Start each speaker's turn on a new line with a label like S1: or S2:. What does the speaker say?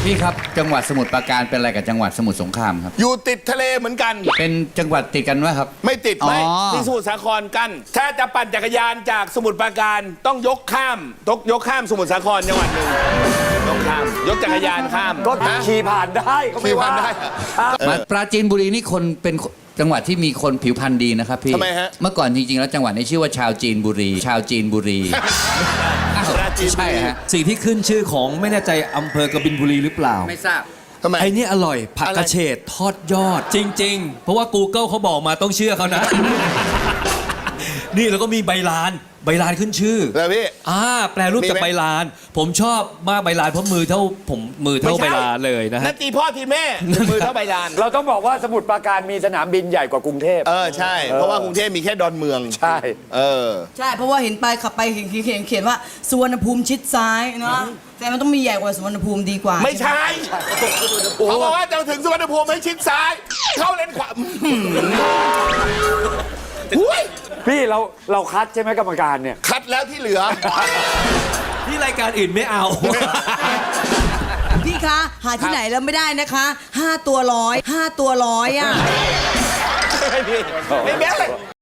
S1: พี่ครับจังหวัดสมุทรปราการเป็นอะไรกับจังหวัดสมุทรสงครามครับ
S2: อยู่ติดทะเลเหมือนกัน
S1: เป็นจังหวัดติดกันไหมครับ
S2: ไม่ติด
S1: อ๋อ
S2: ไม่ที่สมุทรสาครกัน ถ้าจะปั่นจักรยานจากสมุทรปราการต้องยกข้ามสมุทรสาครจังหวัดหนึ่งยกจักรยานข้าม
S3: ก็ขี่ผ่านได้ก็ไม่ว่า
S2: ขี่ผ่านได้
S1: มาปราจีนบุรีนี่คนเป็นจังหวัดที่มีคนผิวพรรณดีนะครับพี่
S2: ทำไมฮะ
S1: เมื่อก่อนจริงๆแล้วจังหวัดนี้ชื่อว่าชาวจีนบุรีชาวจีนบุรีอ้าว
S2: ปราจีนบุรี
S1: ใช่ฮะ
S4: สิ่งที่ขึ้นชื่อของไม่แน่ใจอำเภอกบินบุรีหรือเปล่า
S1: ไม่ทราบ
S2: ทำไม
S4: ไอ้นี่อร่อยผักกระเฉดทอดยอดจริง ๆ เพราะว่า Google เขาบอกมาต้องเชื่อเขานะ นี่แล้วก็มีใบลานขึ้นชื่อ
S2: แล้วพี่
S4: แปลรูปจาก
S2: มีไหม
S4: ใบลาน ผมชอบมากใบลานเพราะมือเท่าใบลานเลยนะ
S2: นั
S4: ฮะ
S2: ตตีพ่อทีแม่มือเท่าใบลาน
S3: เราต้องบอกว่าสมุทรปราการมีสนามบินใหญ่กว่ากรุงเทพ
S2: ใช่ เพราะว่ากรุงเทพมีแค่ดอนเมือง
S3: ใช่
S5: ใช่เพราะว่าเห็นไปขับไปเขียนว่าสุวรรณภูมิชิดซ้ายเนาะแต่มันต้องมีใหญ่กว่าสุวรรณภูมิดีกว่า
S2: ไม่ใช่เขาบอกว่าจะถึงสุวรรณภูมิให้ชิดซ้าย เข้าเลนขวาหุ้ย
S3: พี่เราคัดใช่ไหมกรรมการเนี่ย
S2: คัดแล้วที่เหลือ
S4: ที่รายการอื่นไม่เอา
S5: พี่คะหาที่ไหนแล้วไม่ได้นะคะ5 ตัวร้อยอ่ะ
S2: ไม่แม้